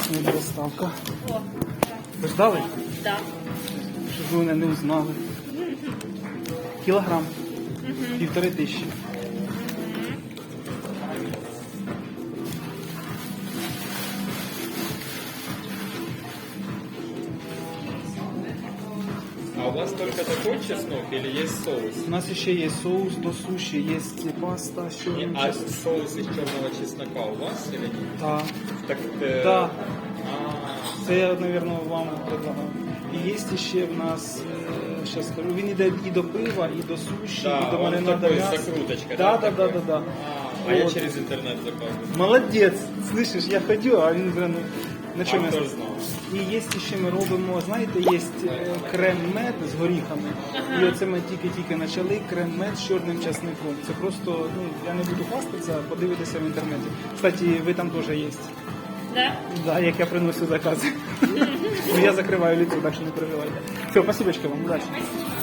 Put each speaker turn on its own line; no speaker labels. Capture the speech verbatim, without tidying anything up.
Сьогодні доставка.
О,
Ви ждали?
да.
Щоб ви мене не узнали. Кілограм. Півтори тисячі.
А у вас только такой чеснок или есть соус?
У нас ще є соус до суші, є паста з чорним
А
чесноком.
соус из черного чеснока у вас или нет?
Так.
Так, э,
Так.
а,
Це я, мабуть, вам предлагав. І є ще в нас, зараз скажу, він йде і до пива, і до суші,
Да,
і до
он
маринада
такой,
м'яса.
закруточка,
Да,
да,
да, да,
такой?
да, да.
а, а я
Вот.
через интернет заказываю.
Молодець, слышиш, я ходю, а він, блин, на чому
А
я
хто ж знав?
І є ще ми робимо, знаєте, є крем-мед з горіхами. І оце ми тільки-тільки почали, крем-мед з чорним часником. Це просто, ну, я не буду хвастатися, подивитися в інтернеті. Кстати, ви там теж є.
Да?
Да, як я приносю закази. Ну, я закриваю літо, так що не переживайте. Все, спасибо вам, удачі.